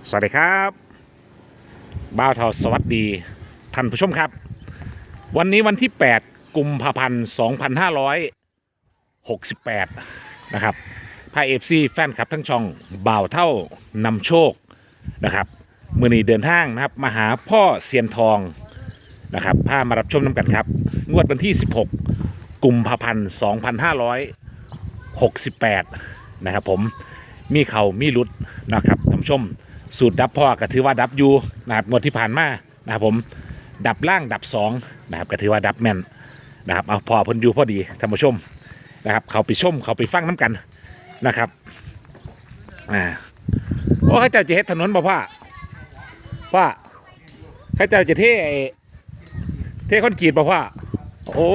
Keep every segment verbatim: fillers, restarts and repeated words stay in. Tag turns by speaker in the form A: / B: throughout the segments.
A: สวัสดีครับบ้าวเทาสวัสดีท่านผู้ชมครับวันนี้วันที่แปดกุมภาพันธ์สองพันห้าร้อยหกสิบแปดนะครับพาเอฟซีแฟนคลับทั้งช่องบ่าวเท่านำโชคนะครับมือนี้เดินทางนะครับมาหาพ่อเซียนทองนะครับพามารับชมน้ำกันครับงวดวันที่สิบหกกุมภาพันธ์สองพันห้าร้อยหกสิบแปดนะครับผมมีเข่ามีลุดนะครับท่านผู้ชมสูตรดับพ่อก็ถือว่าดับอยู่นะครับงวดที่ผ่านมานะครับผมดับล่างดับสองนะครับก็ถือว่าดับแม่นนะครับเอาพอพ้นอยู่พอดีท่านผู้ชมนะครับเขาไปชมเขาไปฟังน้ำกันนะครับอ่าโอ้ข้าเจ้าจะเฮ็ดถนนบ่พ่อพ่อข้าเจ้าจะเทเทคอนกรีตบ่พ่อโอ้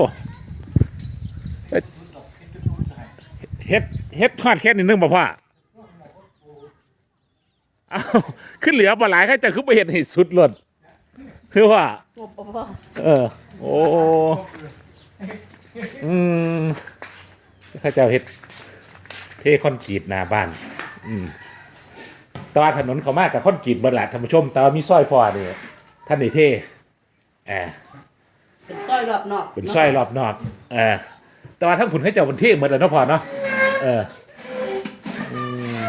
A: เฮ็ดเฮ็ดทอดแค่นิดนึงบ่พ่ออ้าวขึ้นเหลือบ่หลายข้าเจ้าคือไปเฮ็ดให้สุดล้นคือว่าเออโอ้อืมข้าเจ้าเฮ็ดเทคอนกรีตหน้าบ้านอืมแต่ว่าถนนเขามากกับคอนกรีตเบิดละท่านผู้ชมแต่ว่ามีซอยพอนี่ท่านได้เทอ่า
B: เป็นสร้อยรอบนอก
A: เป็นซอยรอบนอกเออแต่ว่าทั้งผุนให้เจ้าบนเทเหมือนเดิมเนาะพอเนาะเอออืม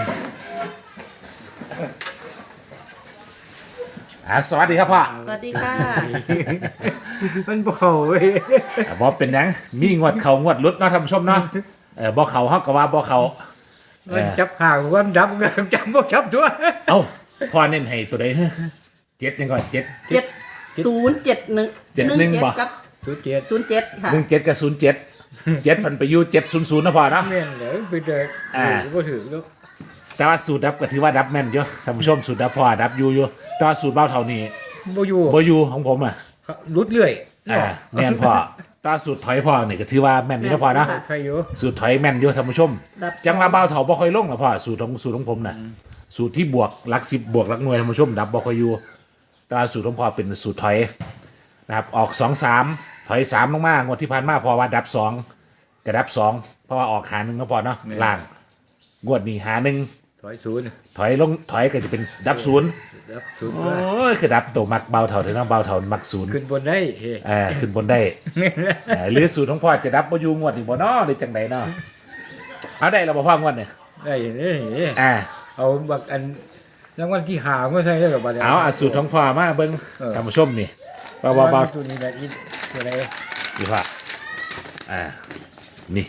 A: อ่าสวัสดีครับพ่อ
B: สวัสดีค่ะ
C: มันบ่เข้าเว้ย
A: อ่าบ่เป็นหยังมีงวดเขางวดหลุดเนาะท่านผู้ชมเนาะเออบ่เขาเฮาก็ว่าบ่เขา
C: มันจับห่างวันดับกันจับบ่จับตัว
A: เอ้าพ่อเน้นให้ตัวใดเจ็ดยังก่อนเจ็ด
B: เจ็ดศูนย์เจ็ดหนึ่ง
A: เจ็ดหนึ่งบ่
B: กับ
C: สุดเจ็ด
B: ศูนย์เจ็ดค่ะ
A: หนึ่งเจ็ดกับศูนย์เจ็ดเจ็ดพันไปอยู่เจ็ดศูนย์ศูนย์นะพ่อเนาะ
C: แม่นเลยไปเดิน
A: อ่า
C: บ่ถือลูก
A: แต่ว่าสูตรดับก็ถือว่าดับแม่นเยอะท่านผู้ชมสูตรดับพ่อดับอยู่อยู่แต่ว่าสูตรเบ้าเท่านี้
C: บ่อยู่
A: บ่อยู่ของผมอ่ะ
C: รุดเรื่อย
A: อ่าแม่นพ่อตาสูตรถอยพ่อนี่ก็ถือว่าแม่นอยู่นะพ่อนะ
C: ใครอยู่
A: สูตรถอยแม่นอยู่ท่านผู้ชม
B: ดับ
A: จังว่าเบาเถาบ่ค่อยลงหรอกพ่อสูตรของสูตรของผมน่ะสูตรที่บวกหลักสิบบวกหลักหน่วยท่านผู้ชมดับบ่ค่อยอยู่แต่ว่าสูตรของพ่อเป็นสูตรถอยนะครับออกสองสามถอยสามลงมางวดที่ผ่านมาพอว่าดับสองกระดับสองเพราะว่าออกหาหนึ่งนะพ่อเนาะล่างงวดนี้หาหนึ่ง
C: ถอยศูนย์
A: ถอยลงถอยก็จะเป็นดับศูนย์
C: ดับศูนย์
A: โอ้ยคือดับตัวมักเบาเถาเถอะเนาะเบาเถามักศูนย์
C: ขึ้นบนได้เฮ้
A: อ่าขึ้นบนได้ อ่าหรือสูตรของพ่อจะดับบ่อยู่งวดอีกบ่เนาะหรือจังไดเนาะเอาได้แล้วบ่พ่องวดเนี่ย
C: ได้เด้
A: อ่า
C: เอาบักอันรางวัลที่หามาใส่ได้กับบัดนี้
A: เอาอาสูตรของพ่อมาเบิ่ง
C: เออ
A: ท่านผู้ชมนี่บ่บ่บ่
C: ตัวนี้แหละอีตัวใด
A: นี่พ่ออ่านี่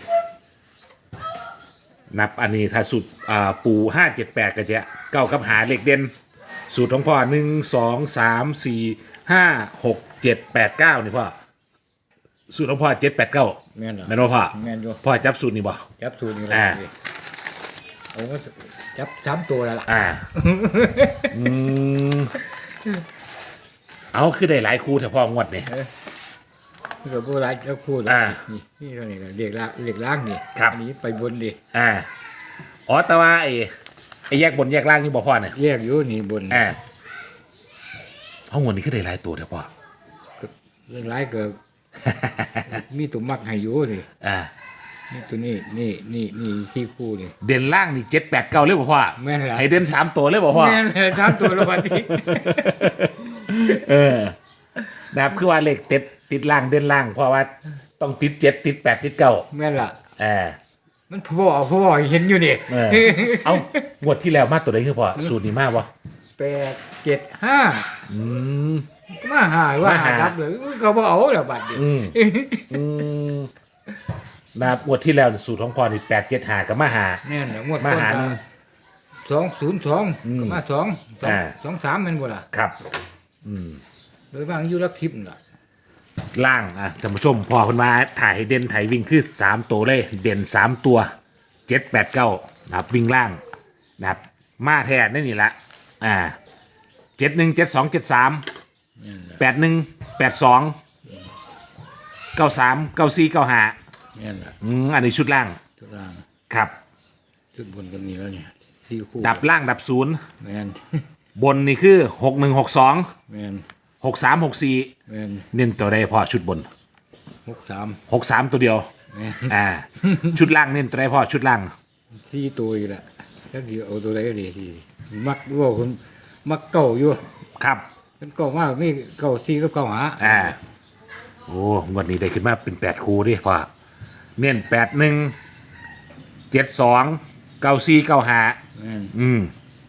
A: นับอันนี้ถ้าสูตรอ่าปูห้า เจ็ด แปดก็จะเก้ากับหาเลขเด่นสูตรของพ่อหนึ่ง สอง สาม สี่ ห้า หก เจ็ด แปด เก้านี่พ่อสูตรของพ่อเจ็ด แปด เก้า
C: แม่นเหรอ
A: แม่นบ่พ่อ
C: แม่นอยู่
A: พ่อจับสูตรนี่บ่
C: จับศูนย์นี่
A: อ่า
C: ละเอาก็จับสามตัวแล้วล่ะ
A: อ่า อืม เอาคือได้หลายคู่แต่พองวดนี่
C: เกิดโบราณจะพูด
A: อ่า
C: นี่นี่เท่านี้ก็เรียกล่างเรียกล่างนี่
A: ครับ
C: อันนี้ไปบนดิ
A: อ่า อ๋อ แต่ว่าไอ้ไอ้แยกบนแยกล่างนี่บ่พ่อเนี่ย
C: แยกอยู่นี่บน
A: อ่าเอางวดนี้คือได้หลายตัวแต่พ่อ
C: เรื่องร้ายเกิด มีตัวมักให้อยู่นี่
A: อ่า
C: นี่ตัวนี้นี่นี่นี่ที่คู่นี่
A: เด่นล่างนี่เจ็ดแปดเก้าเลยบ่พ่อ
C: แม่นล่ะ
A: ให้เด่นสามตัวเลยบ่พ่อ
C: แม่นเลยสามตัวละวันนี้
A: เออนะครับคือว่าเลขติดติดล่างเด่นล่าง เพราะว่าต้องติดเจ็ดติดแปดติดเก้า
C: แม่นล่ะ
A: อ่า
C: มันพ่อพ่อเห็นอยู่นี่
A: เออ เอางวดที่แล้วมาตัวไหนคือพ่อสูตรนี้มากวะ
C: แปดเจ็ดห้า
A: อืม
C: มาหาว่า
A: มาหา
C: หารับเลยก็บ่เอาแล้วบัดนี้
A: อืม อืมนะครับงวดที่แล้วสูตรของพอนี่แปดเจ็ดหากับมาหา
C: แน่นแล้วงวด
A: มา
C: ก่อน
A: หาหนึ่ง
C: สองศูนย์สองก็มาสองสอง
A: อ่า
C: สองสามแม่นบ่ล่ะ
A: ครับ
C: โดยบางอยู่รับทิพย์ล่ะ
A: ล่างอ่ะท่านผู้ชมพอคนมาถ่ายให้เด่นถ่ายวิ่งคือสามตัวเลย เด่นสามตัวเจ็ดแปดเก้านะครับวิ่งล่างนะครับมาแทนนี่นี่ละอ่าเจ็ดหนึ่งเจ็ดสองเจ็ดสามแปดหนึ่งแปดสองเก้าสามเก้าสี่เก้าห้า
C: แม่นล่ะ
A: อืมอันนี้ชุดล่าง
C: จุดล่าง
A: ครับ
C: จุดบนก็มีแล้วเนี่ยสี่คู่
A: ดับล่างดับศูนย์
C: แม่น
A: บนนี่คือหกหนึ่งหกสอง
C: แม่น
A: หกสามหกสี่
C: แม่น
A: เน้นตัวใดพอชุดบน
C: หกสาม
A: หกสามตัวเดียว
C: แม่น
A: อ่า ชุดล่างเน้นตัวใดพอชุดล่าง
C: สี่ตัวอีกละแล้วเดี๋ยวเอาตัวไหนก็ดีที่มักว่าคนมักเก่าอยู่
A: ครับ
C: เป็นเก่ามากมีเก่าซีกับเก่าหา
A: อ่าโอ้งวดนี้ได้ขึ้นมาเป็นแปดคูดิพ่อเน้นแปดหนึ่งเจ็ดสองเก้าสี่เก้าห้า
C: แม่น
A: อืม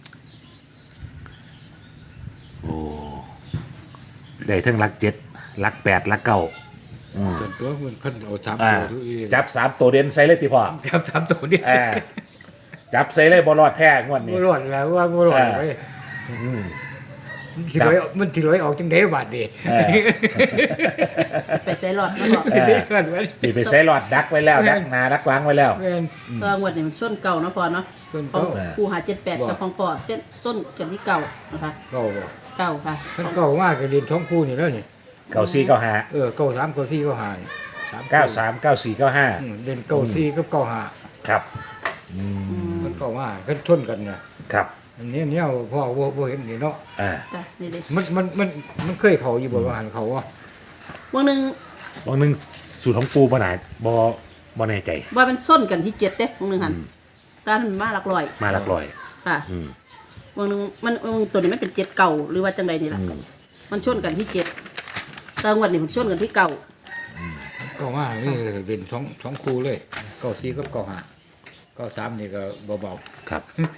A: โอ้ได้ทั้งหลักเจ็ดหลักแปดหลักเก้า
C: จนตัวมันขึ้นเอาสาม
A: อ่า
C: ตัวทุกที
A: จับสามตัวเด่นใส่เลยติพ่อ
C: จับสามตัวนี่
A: อ่าจับใส่เลยบอลอดแท้งวดนี้
C: บ่รอดแล้วว่าบ่รอด
A: อ่า
C: ไปมันสิร้อยมันสิร้อยออกจังได๋บาดนี้
A: เออ
B: ไปใส่หลอดมาบอก
A: เออ สิไปใส่หลอดดักไว้แล้ว
C: แม่
A: ดั
C: น
A: กหนาดักหล้างไว้แล้ว
C: แม่น
B: ก็งวดนี้มันส้นเก่าเนาะพอเนาะ
C: ส้น
B: ขอ
C: เก่า
B: งครูหาเจ็ดแปด
C: บอก
B: กับของพ่อเส้นส้นกันที่เก่านะคะ
C: เก่าบ่
B: เก่าค่ะ
C: มันเก่ามากก็เรียนท้องคู่นี่แล้วนี่
A: เก้าสี่เก้าห้า
C: เออเก่าสามเก่าสี่เก่าห้านี่สาม
A: เก้าสามเก้าสี่เก้าห้า
C: อืมเรียนเก่าสี่กับเก่าห้า
A: ครับ
C: มันเก่ามากขึ้นชนกันน่ะ
A: ครับ
C: อันนี้เนี่ยพ่อบ่บ่เห็นนี่เนาะ
A: อ่า
B: จ้ะนี่เลย
C: มันมันมันมันเคยเขาอยู่บ่ว่าหันเขาว่า
B: วันหนึ่ง
A: บางหนึงสูตรของปูปะหนาบอบอแน่ใจ
B: ว่าเป็นส้นกันที่เจ็ดเด้วันหนึ่งหันตามันมาหลักลอย
A: มาหลักลอย
B: ค่ะ
A: อืม
B: วันหนึ่งมันมันตัวนี้มันเป็นเจ็ดเก่าหรือว่าจังใดนี่ล่ะมันชนกันที่เจ็ดแต่งวดนี้มันชนกันที่เก่า
C: เก่ามากนี่เป็นท้องท้องคู่เลยเก่าสี่กับเก่าห้าเก่าสามนี่ก็เบา
A: ครับ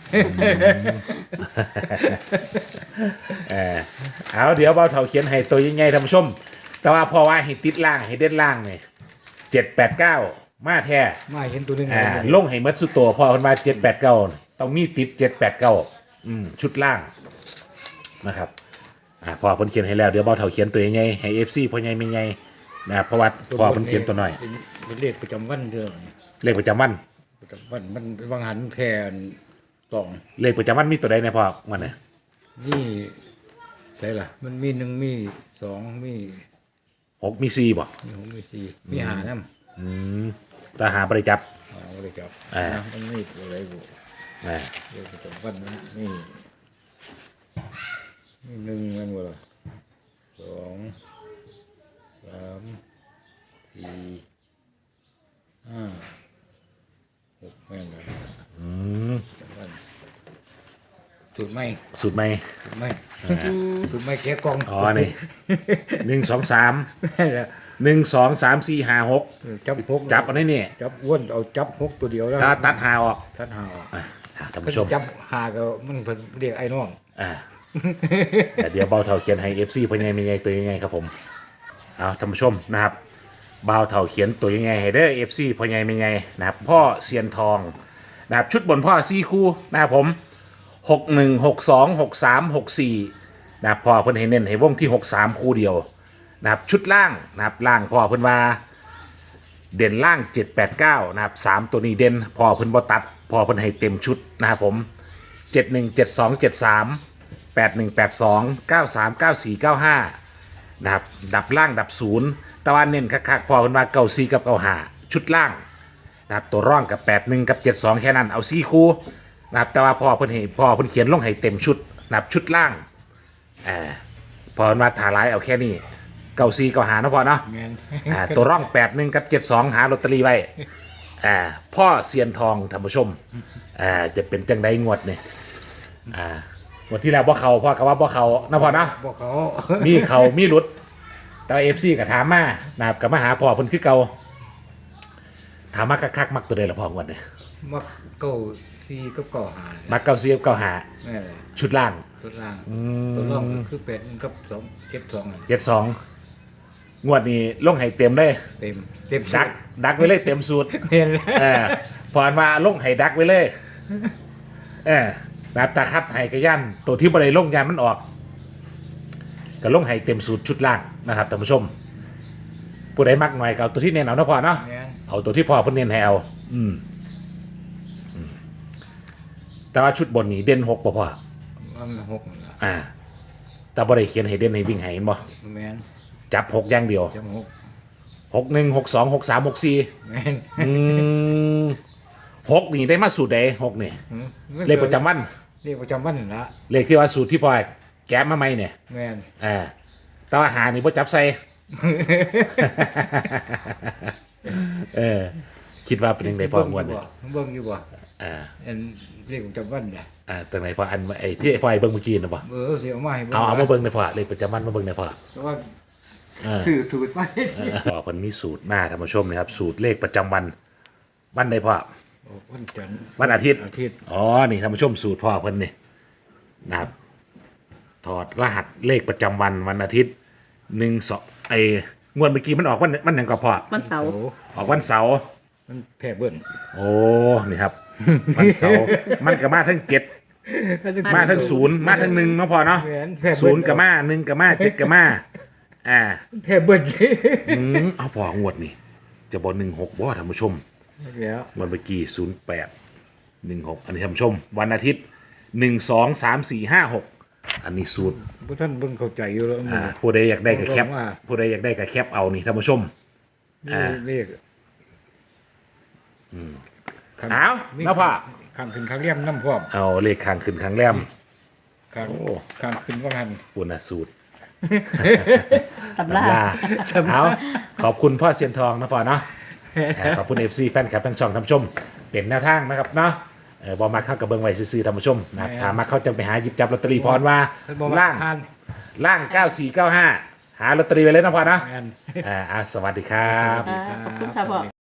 A: เออเอาเดี๋ยวเบาเถาเขียนให้ตัวยังไงท่านผู้ชม แต่ว่าพอว่าให้ติดล่างให้เด่นล่างเนี่ยเจ็ดแปดเก้ามาแท้
C: ๆมาเห็นตัวหนึง
A: อ่า
C: เลย
A: ลงให้หมัดสุดตัวพอคนมาเจ็ดแปดเก้าต้องมีติดเจ็ดแปดเก้าอืมชุดล่างนะครับอ่าพอเพิ่นเขียนให้แล้วเดี๋ยวเบาเถาเขียนตัวยังไงให้เอฟซีพ่อใหญ่ไม่ใหญ่นะครับเพราะว่าพอเพิ่นเขียนตัวหน่อย
C: เป็นเป็นเลขประจำวันเด้อ
A: เลขประจำวัน
C: ประจำวันมันวางหันแทนสอง
A: เลขประจำวันมีตัวใดในพอมันเนี่ย
C: นี่ใช่ล่ะ มันมีหนึ่งมีสองมี
A: หกมีสี่บ่
C: มีหกมีสี่มีหาน้
A: อืมตาหาบริจับ
C: ำเอาเลยครับ
A: อ่า
C: นะมันมีอะไรบุ
A: อ่า
C: เลขประจำวันมันมีมีหนึ่งอะไรบุล่ะสองสามสี่ห้าหกแม่นเลย
A: อืม
C: ประจำวันสูตรไม่
A: สูตรใหม่
C: สูตรไม่สูตรไม่แกะกล่อง
A: อ๋อนี่หนึ่งสองสาม
C: แม่นแหละ
A: หนึ่งสองสามสี่ห้าหก
C: จับหก
A: จับเอาได้นี่
C: จับอ้วนเอาจับหกตัวเดียวแล้ว
A: ถ้าตัดหาออก
C: ทัดหาออก
A: อ่ะท่าน
C: เพิ่
A: ผู้ชม
C: นจับหาก็มันเพิ่นเรียกไอ้น้อง
A: อ่าแต่เดี๋ยวเบาเท่าเขียนให้เอฟซีเป็นไงเป็นไงตัวยังไงครับผมเอาท่านผู้ชมนะครับเบาเท่าเขียนตัวยังไงให้เด้อเอฟซีเป็นไงเป็นไงนะครับพ่อเซียนทองนะครับชุดบนพ่อซี่คู่นะครับผมหกหนึ่งหกสองหกสามหกสี่นะครับพ่อเพิ่นให้เน้นให้วงที่หกสามคู่เดียวนะครับชุดล่างนะครับล่างพ่อเพิ่นว่าเด่นล่างเจ็ดแปดเก้านะครับสามตัวนี้เด่นพ่อเพิ่นบ่ตัดพ่อเพิ่นให้เต็มชุดนะครับผมเจ็ดหนึ่งเจ็ดสองเจ็ดสามแปดหนึ่งแปดสองเก้าสามเก้าสี่เก้าห้านะครับดับล่างดับศูนย์ตะวันเน้นคักๆพ่อเพิ่นว่าเก้าสี่กับเก้าห้าชุดล่างนะครับตัวร่องกับแปดหนึ่งกับเจ็ดสองแค่นั้นเอาสี่คู่นะครับแต่ว่าพ่อเพิ่นให้พ่อเพิ่นเขียนลงให้เต็มชุดนะครับชุดล่างอ่าพอเพิ่นว่าถาร้ายเอาแค่นี้เก้าสี่เก้าห้าเนาะพ่อเนาะ
C: แม่น
A: อ่าตัวร่องแปดหนึ่งกับเจ็ดสองหาลอตเตอรี่ไว้อ่าพ่อเซียนทองท่านผู้ชมอ่าจะเป็นจังไดงวดเนี่ยอ่างวดที่แล้วบ่เขาพ่อก็ว่าบ่เขานะพ่อนะ
C: บอกเขา
A: มีเขามีหลุดแต่เอฟซีกับถามมานะครับกับมาหาพ่อเพิ่นคือเก่าถามมาคักๆมักตัวใดละพ่องวดเนี่ย
C: มักเก้าสี่กับเก้าหา
A: มักเก้าซีกับเก้าหา
C: แม่นเลย
A: ชุดล่าง
C: ตัวล่างตัวล่างก็คือเป็ดกับสองเจ็ดสองอะ
A: เจ็ดสองงวดนี้ลงให้เต็มเลย
C: เต็มเต็ม
A: ดักดักไว้เลยเต็มสูตร
C: เห็นแล้ว
A: เออพอนมาลงไห้ดักไว้เลย เออนะครับตาคัดไห้กระยันตัวที่บริลงยานมันออกก็ลงไห้เต็มสูตรชุดล่างนะครับท่านผู้ชม ผู้ใดมักหน่อยก็เอาตัวที่เน้นเอานะพอเนาะ
C: แม่น
A: เอาตัวที่พอเพิ่นเน้นให้เอาอืมอืมแต่ว่าชุดบนนี้เด่นหกบ่พอ
C: มันหกนั่นล่ะ
A: อ่า แต่บริเขียนให้เด่นให้วิ่งให้เห็นบ่
C: แม่น
A: จับหกอย่างเดียว
C: จำหก
A: หกหนึ่งหกสองหกสามหกสี่
C: แม่น
A: อืมหกนี่ได้มาสูตรใดหกนี่
C: อืม
A: เลขประจำวัน
C: เลขประจำวันนั่นละ
A: เลขที่ว่าสูตรที่พอแก้มาใหม่เนี่ย
C: แม่น
A: อ่าแต่ว่าหานี่พ่จับใส่ เออคิดว่าเป็นยังไงพองวดเนี่ย
C: เบิ่งอยู่บ่
A: อ่า
C: อันเรียกประจำวันเนี่ย
A: อ่าตรงไหนพออันไอ้ที่ไอ้ไฟเบิ่งเมื่อกี้นะบ่
C: เออเดี๋ยวเอามาให้
A: เอาเอามาเบิ่งในพอเลยประจำวันมาเบิ่งในพอ
C: เพราะว่า
A: เออ
C: สื่อสูตรมาให้
A: เออพอเพิ่นมีสูตรมาท่านผู้ชมนะครับ สูตรเลขประจำวันวันใดพอ
C: โอ้วันจันทร์
A: วันอาทิตย์
C: อาทิตย์
A: อ๋อนี่ท่านผู้ชมสูตรพ่อเพิ่นนี่นะครับถอดรหัสเลขประจำวันวันอาทิตย์หนึ่งสองไอ้งวดเมื่อกี้มันออกวันมันหยังก็พอ
B: วันเสาร์
C: โอ้
A: ออกวันเสาร์
C: มันแพ้เบิ่น
A: โอ้นี่ครับ วันเสาร์มันก็มาทั้งเจ็ดมาทั้งศูนย์มาทั้งหนึ่งเนาะพอเนาะ
C: แหวนแพ้เบิ่
A: ศูนย์กับมาหนึ่งกับมาเจ็ดกับมาอ่า
C: แพ้เบิ่น
A: อืมเอาพองวดนี่จะบอกหนึ่งหกบ่ท่านผู้ชม
C: แล้ว
A: วันเมื่อกี้ศูนย์แปดหนึ่งหกอันนี้ท่านผู้ชม วันอาทิตย์หนึ่งสองสามสี่ห้าหกอันนี้สูตร
C: พวกท่านเบิ่งเข้าใจอยู่แล้ว
A: อ่าผู้ใดอยากได้ก็แคป
C: ว่า
A: ผู้ใดอยากได้ก็แคปเอานี่ท่านผู้ชม
C: นี่เลข
A: เอาเนาะพ่อ
C: ข้างขึ้นข้างเลี่ยมน้ำพร้อม
A: เอาเลขข้างขึ้นข้างแรม
C: ข้าง
A: โอ้
C: ข้างขึ้นว่าหัน
A: ปุณสูตร
B: ตำรา
A: ลาเอาขอบคุณพ่อเซียนทองนะพ่อเนาะอ่าขอบคุณ เอฟ ซี แฟนคลับทั้งช่องท่านผู้ชมเป็นแนวทางนะครับเนาะเออบอมาเข้ากับเบิงไว้ซื้อๆท่านผู้ชมนะครับถามมาเขาจะไปหาหยิบจับลอตเตอรี่พรว่า
C: บอกว่า
A: ล่าง
C: ทาน
A: ล่างเก้าสี่เก้าห้าหาลอตเตอรี่ไว้เลยนะพ่อเนาะ
C: แม่น
A: อ่าอ่าสวัสดีครับ
B: อ่าขอบคุณค่ะพ่อ